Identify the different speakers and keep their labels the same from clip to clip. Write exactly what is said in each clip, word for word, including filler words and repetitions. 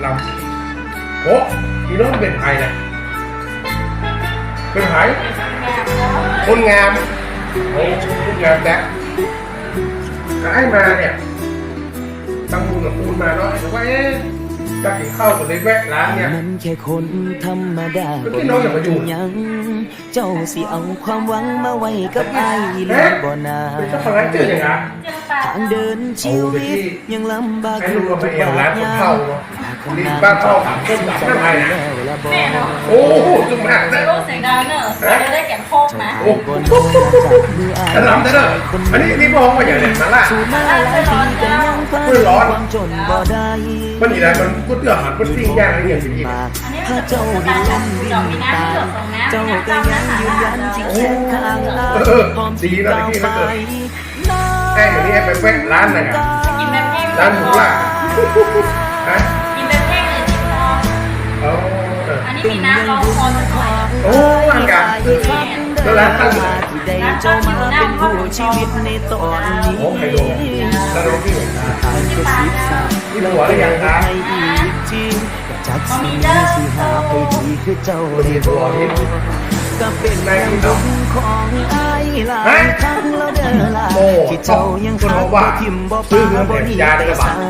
Speaker 1: ลำโอ้พี่น้องเป็นไผ่นะเป็นไผ่คนงามโอ้คนงามแดกก็ให้มาเนี่ยตั้งมูลกับปูนมาเนาะแต่ว่าเอ๊ะจะกินข้าวกับเลยแวะร้านเนี่ย
Speaker 2: มันแค่คนธรรมดา
Speaker 1: ก็พี่น้องอย่ามาอยู่
Speaker 2: ยังเจ้าสิเอาความหวังมาไว้กับไอ้หรือบ่นา
Speaker 1: เป็นเจ้าของร้านเจออย่างไร
Speaker 2: ทางเดินชีวิตยังลำบาก
Speaker 1: ทุกบาทยามรีบบ้านเข้าต้มยำข้าวไทยโอ้โหจุ่มหักนะ
Speaker 3: โลเสียงดังเนอะจะได้แกงโคกนะ
Speaker 1: โอ้โหกระลำได้เลยอันนี้นี่มองว่าอย่างไรมาล่ะเพื่อร้อนมันนี่แหละมันพูดเรื่องหันพูดสิ่งยากอะไรอย่างนี้
Speaker 2: พระเจ้าดินล้นดินตาเจ้าก็ยังยืนยันที่แขนข้างเราพร้อมที่ก้าวไป
Speaker 1: แค่อย่างนี้ไปแวะร้านนะครับร้านหมูล่าฮะ
Speaker 3: กินเป็นแห้งเลยจิ๋วอันนี้มีน้ำร้อนคอสักหน่อย
Speaker 1: โอ้อากาศแล้วร้านตั้งอยู่
Speaker 2: ได้เจ้ามาเป็นผู้ชีวิตในตอนนี้
Speaker 1: โอ้ใครดูแล้วดูที่ไหนนี่หัวหรือยังครับ
Speaker 2: จากสิ่งที่หาไปดีคือเจ้าได้บอกก็เป็นแรงดุงของไอ้หลายครั้งแล้วเดินลาที่เจ้ายังหักบ่ทิ่มบ่ปาบ่ดีแต่สาย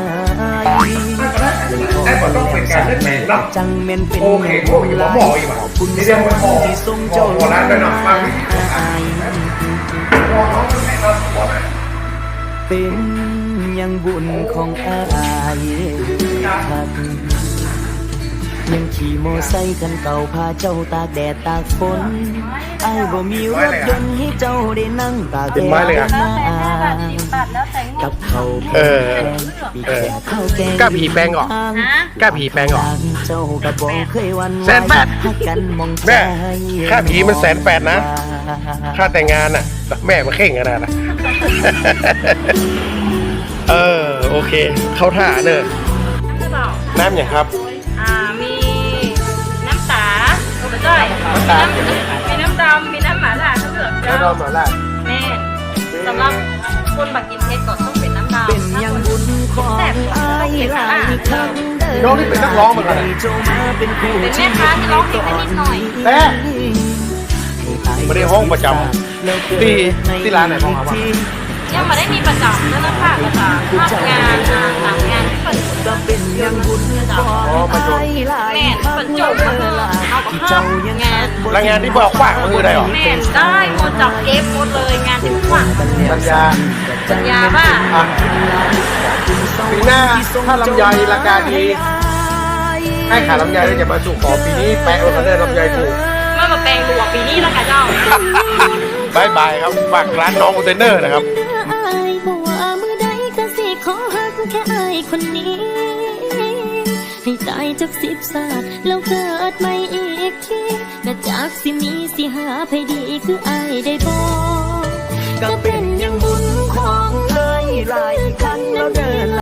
Speaker 1: ไอ้บ่ต้องเป็นการเล่นแมงเนาะ
Speaker 2: จังเม่นเป็น
Speaker 1: โอเคพวกอยู่หมออีกว่ะคุณนี่เรียกว่าหมอ
Speaker 2: ที่ทรงเจ้า
Speaker 1: หมอร้านไปหน่อยฟังวิธีการหมอเขาเป็นแม่เราหมอไหน
Speaker 2: เป็นยังบุญของอ้ายยังขี่โมไซค์กันเก่าพาเจ้าตากแดดตากฝนไอ้บ่มีรถยนต์ให้เจ้าได้นั่งตากแดดนากับเขา
Speaker 1: เออเออ กล้าผีแปลงออกกล้าผีแปลงออก
Speaker 2: เจ้ากับบ่เคยวัน
Speaker 1: แสนแปดแม่ค่าผีมันแสนแปดนะค่าแต่งงานน่ะแม่มาเข่งกันนะเออโอเคเข้าท่าเนอะน้ำอย่างครับ
Speaker 3: อ่ามีน้ำตาโอ้จ้อยมีน้ำดำมีน้ำหม่าล่าทั้งหมด
Speaker 1: น้ำดำหม่าล่า
Speaker 3: แม่สำหรับคนบักกินเพชรก็ต้องเป็นน้ำดำ
Speaker 2: เป็นยังบุญของไอ้หลายครั้ง
Speaker 1: น้องนี่เป็นนักร้องเหมือนกัน
Speaker 3: เป็นแม่ค้าที่ร้องเพลงนิดหน่อย
Speaker 1: แต่ไม่ได้ห้องประจำที่ที่ร้านไหนห้องครับ
Speaker 3: ยังไม่ได้มีประจำแล้วนะคะประจำทำงานหลังงานที่เป็น
Speaker 2: ก็เป็นยังบุญของไอ้หลาย
Speaker 3: ครั้งจบเอากับข้าวงาน
Speaker 1: แล้วงานที่บอกฝากมือได้หรอ
Speaker 3: แม่ได้หมดจับเก็บหมดเลยงานที่ฝาก
Speaker 1: สัญญา
Speaker 3: สัญญาว่า
Speaker 1: ปีหน้าถ้าลำไยราคาดีให้ขาลำไยได้จะมาสู่ขอปีนี้แปะเราได้ลำไยถูก
Speaker 3: เมื่อมาแปลงดูปีนี้แล้วค่ะเจ้า
Speaker 1: บายบายครับฝากร้านน้องคอนเทนเนอร์นะครับ
Speaker 4: ขอหักแค่อายคนนี้ให้ตายจากสิบศาสตร์แล้วเกิดใหม่อีกทีและจากสิมีสิหาให้ดีคืออายได้บอกก็เป็นยังบุญของอายหลายครั้งแล้วเดิน